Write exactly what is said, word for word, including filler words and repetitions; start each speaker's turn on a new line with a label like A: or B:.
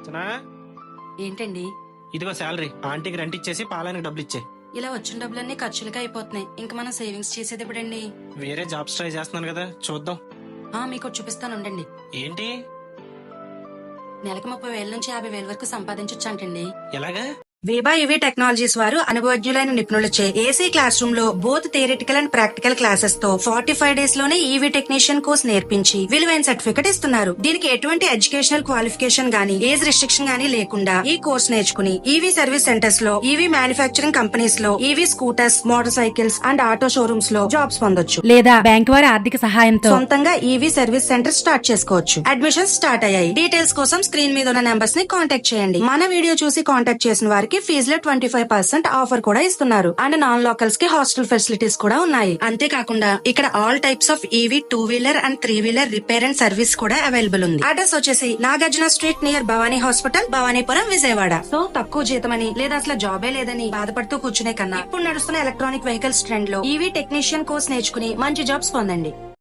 A: చనా,
B: ఏంటండి?
A: ఇదిగో శాలరీ. ఆంటీకి రెంట్ ఇచ్చేసి పాలానికి డబ్బులు ఇచ్చే.
B: ఇలా వచ్చిన డబ్బులన్నీ ఖర్చులుగా అయిపోతున్నాయి. ఇంకా మనం సేవింగ్స్ చేసేది ఎప్పుడండి?
A: వేరే జాబ్స్ ట్రై చేస్తున్నాను కదా, చూద్దాం.
B: ఆ మీకు ఒకటి చూపిస్తాను ఉండండి.
A: ఏంటి?
B: నెలకు ముప్పై వేల నుంచి యాభై వేల వరకు సంపాదించొచ్చు అంటండి.
A: ఎలాగా?
B: వేబా ఈవీ టెక్నాలజీస్ వారు అనుభవజ్ఞులైన నిపుణులచే ఏసీ క్లాస్ రూమ్ లో both theoretical and practical classes తో ఫార్టీ ఫైవ్ డేస్ లోనే ఈవీ టెక్నీషియన్ కోర్స్ నేర్పించి విలువైన సర్టిఫికెట్ ఇస్తున్నారు. దీనికి ఎటువంటి ఎడ్యుకేషనల్ క్వాలిఫికేషన్ గానీ ఏజ్ రిస్ట్రిక్షన్ గానీ లేకుండా ఈ కోర్స్ నేర్చుకుని ఈవీ సర్వీస్ సెంటర్స్ లో, ఈవీ మ్యానుఫ్యాక్చరింగ్ కంపెనీస్ లో, EV scooters, motorcycles and auto showrooms లో జాబ్స్ పొందొచ్చు.
C: లేదా బ్యాంక్ వారి ఆర్థిక సహాయంతో
B: సొంతంగా ఈవీ సర్వీస్ సెంటర్ స్టార్ట్ చేసుకోవచ్చు. అడ్మిషన్స్ స్టార్ట్ అయ్యాయి. డీటెయిల్స్ కోసం స్క్రీన్ మీద ఉన్న నెంబర్స్ ని కాంటాక్ట్ చేయండి. మన వీడియో చూసి కాంటాక్ట్ చేసిన వారికి ఫీజులో ట్వంటీ ఫైవ్ పర్సెంట్ ఆఫర్ కూడా ఇస్తున్నారు. అండ్ నాన్ లోకల్స్ కి హాస్టల్ ఫెసిలిటీస్ కూడా ఉన్నాయి. అంతేకాకుండా ఇక్కడ all types of EV two wheeler and three wheeler repair and service కూడా అవైలబుల్ ఉంది. అడ్రస్ వచ్చేసి Nagarjuna street near Bhavani hospital, Bhavanipuram, Vijayawada. So తక్కువ జీతమని లేదా అసలు జాబే లేదని బాధపడుతూ కూర్చునే కన్నా ఇప్పుడు నడుస్తున్న ఎలక్ట్రానిక్ వెహికల్స్ ట్రెండ్ లో ఈవీ టెక్నీషియన్ కోర్స్ నేర్చుకుని మంచి జాబ్స్ పొందండి.